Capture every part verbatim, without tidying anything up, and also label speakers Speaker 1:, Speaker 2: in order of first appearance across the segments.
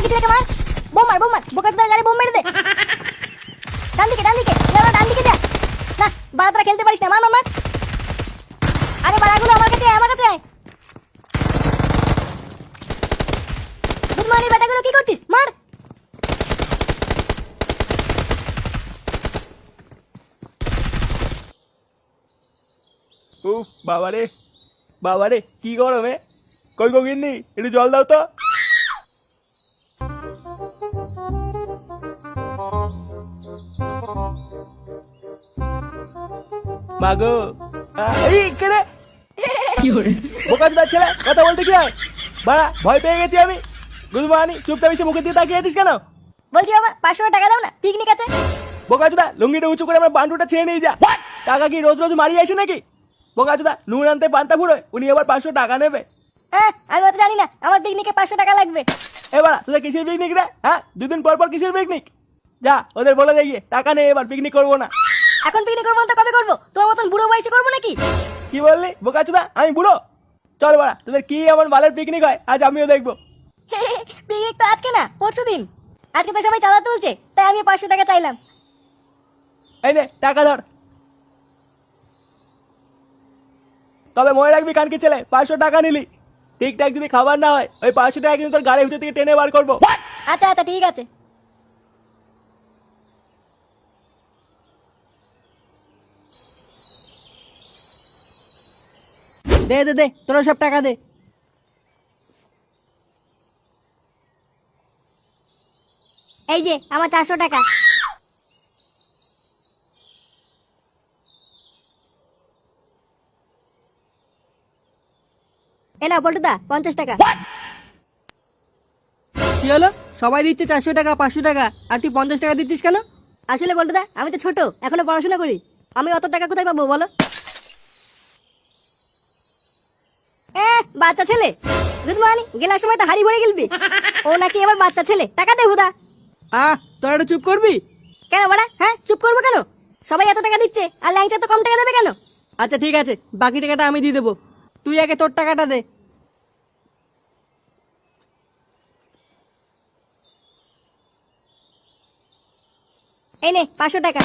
Speaker 1: কানকি ছেলেকে মার। বোম মার বোম মার, বোকাচোদার গাড়ি বোম মেরে দে। ডান দিকে ডান দিকে, লেওড়া ডান দিকে যা। না বাড়া তোরা খেলতে পারিস না, মার মার মার। আরে বাড়াগুলো আমার কাছে আয়, আমার কাছে আয়। গুড মর্নিং বেটাগুলো, কি করছিস? মার।
Speaker 2: উফ বাবারে বাবারে কি গরমে। কই গো গিন্নি, একটু জল দাও তো। মাগো এই কেড়ে বোকাচোদার ছেলে, কথা বলতে কি হয়? বাড়া ভয় পেয়ে গেছি আমি। গুলমানি চুপটা বেশি মুখের দিকে তাকিয়ে আছিস কেন?
Speaker 1: বলছি বাবা পাঁচশো টাকা দাও না, পিকনিক আছে।
Speaker 2: বোকাচোদা লুঙ্গিটা উঁচু করে আমার বান্টুটা ছেড়ে নিয়ে যা। টাকা কি রোজ রোজ মারিয়ে আসে নাকি? বোকাচোদা নুন আনতে পান্তা ফুরোয়, উনি আবার পাঁচশো টাকা নেবে।
Speaker 1: হ্যাঁ আমি অত জানি না, আমার পিকনিকে পাঁচশো টাকা লাগবে।
Speaker 2: এবার তোদের কিসের পিকনিক রে? হ্যাঁ দুদিন পর পর কিসের পিকনিক? যা ওদের বলে দেখিয়ে টাকা নেই, এবার পিকনিক করবো না।
Speaker 1: এখন পিকনিক করবো না তো কবে করবো? তোমার মতন বুড়ো বয়সে করবো নাকি?
Speaker 2: কি বললি বোকাচোদা, আমি বুড়ো? চল বাড়া, তোদের কি এমন বালের পিকনিক হয় আজ আমিও দেখবো।
Speaker 1: পিকনিক তো আজকে না, পরশু দিন। আজকে তো সবাই চাঁদা তুলছে, তাই আমি পাঁচশো টাকা চাইলাম।
Speaker 2: এই নে টাকা ধর। তবে মনে রাখবি কানকি ছেলে, পাঁচশো টাকা নিলি। ঠিকঠাক যদি খাবার না হয়, ওই পাঁচশো টাকা কিন্তু তোর গাড়ির ভিতর থেকে টেনে বার করবো।
Speaker 1: আচ্ছা আচ্ছা ঠিক আছে।
Speaker 3: দে দে দে, তোরা সব টাকা দে।
Speaker 1: এই যে আমার চারশো টাকা। এ নাও পল্টুদা, পঞ্চাশ টাকা।
Speaker 3: কি হলো? সবাই দিচ্ছে চারশো টাকা পাঁচশো টাকা, আর তুই পঞ্চাশ টাকা দিচ্ছিস কেন?
Speaker 1: আসলে পল্টুদা আমি তো ছোট, এখনো পড়াশোনা করি, আমি অত টাকা কোথায় পাবো বলো? এ বাচ্চা ছেলে, গুড মর্নিং, গেলার সময় তো হাড়ি ভরে গেলবি। ও নাকি আমার বাচ্চা ছেলে, টাকা দে হুদা।
Speaker 3: আহ তোরা একটু চুপ করবি?
Speaker 1: কেন বাড়া? হ্যাঁ চুপ করবো কেন? সবাই এত টাকা দিচ্ছে আর ল্যাংচা তো কম টাকা দেবে কেন?
Speaker 3: আচ্ছা ঠিক আছে, বাকি টাকাটা আমি দিয়ে দেবো। তুই আগে তোর টাকাটা দে।
Speaker 1: এই নে পাঁচশো টাকা।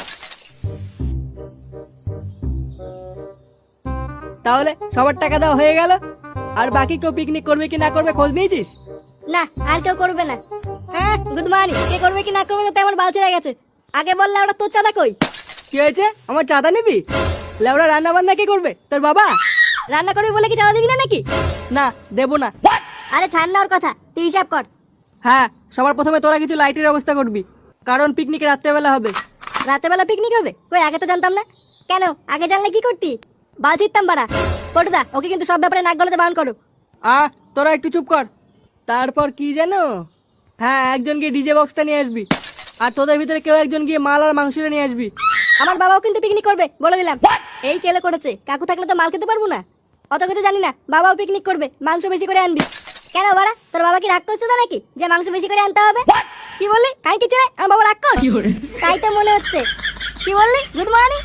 Speaker 3: তাহলে সবার টাকা দেওয়া হয়ে গেল। আর বাকি কেউ পিকনিক করবে কি না করবে খোঁজ নিয়েছিস?
Speaker 1: না আর কেউ করবে না। হ্যাঁ গুড মর্নিং, কে করবে কি না করবে তো আমার বাল ছেড়ে গেছে। আগে বললে ওটা তোর চাঁদা কই?
Speaker 3: কি হয়েছে? আমার চাঁদা নিবি? লেওড়া রান্না বান্না কে করবে? তোর বাবা?
Speaker 1: রান্না করবি বলে কি চাঁদা দিবি না নাকি?
Speaker 3: না দেবো না।
Speaker 1: আরে ছাড় না ওর কথা, তুই হিসাব কর।
Speaker 3: হ্যাঁ সবার প্রথমে তোরা কিছু লাইটের ব্যবস্থা করবি, কারণ পিকনিক রাত্রেবেলা হবে।
Speaker 1: রাতেবেলা পিকনিক হবে? কই আগে তো জানতাম না। কেন আগে জানলে কি করতি? বাল ছিটতাম বাড়া। পটুদা ওকে কিন্তু সব ব্যাপারে নাক গলাতে বারণ করো।
Speaker 3: আহ তোরা একটু চুপ কর। তারপর কি জানো? হ্যাঁ একজন গিয়ে ডিজে বক্সটা নিয়ে আসবি, আর তোদের ভিতরে কেউ একজন গিয়ে মাল আর মাংসটা নিয়ে আসবি।
Speaker 1: আমার বাবাও কিন্তু পিকনিক করবে বলে দিলাম। এই কেলে করেছে, কাকু থাকলে তো মাল খেতে পারবো না। অত কিছু জানি না, বাবাও পিকনিক করবে, মাংস বেশি করে আনবি। কেন বাড়া, তোর বাবা কি রাগ করছো না নাকি যে মাংস বেশি করে আনতে হবে? কি বললি? কাই কি ছেলে, আমার বাবা রাগ কর? তাই তো মনে হচ্ছে। কি বললি? Good morning.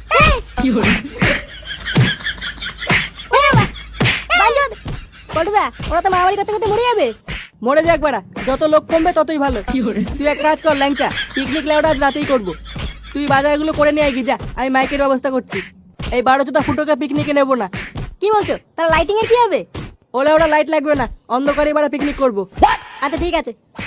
Speaker 1: পটুদা ওরা তো মারামারি করতে করতে মরে যাবে।
Speaker 3: মরে যাক বাড়া, যত লোক কমবে ততই ভালো। তুই এক কাজ কর ল্যাংচা, পিকনিক লেওটা আজ রাতেই করবো। তুই বাজারগুলো করে নিয়ে আয় যা, আমি মাইকের ব্যবস্থা করছি। এই বারো চোদ্দ ফুটোকে পিকনিকে নেবো না।
Speaker 1: কি বলছো? তাহলে লাইটিং এর কি হবে?
Speaker 3: ওলে ওরা লাইট লাগবে না, অন্ধকারে এবার পিকনিক করবো।
Speaker 1: আচ্ছা ঠিক আছে।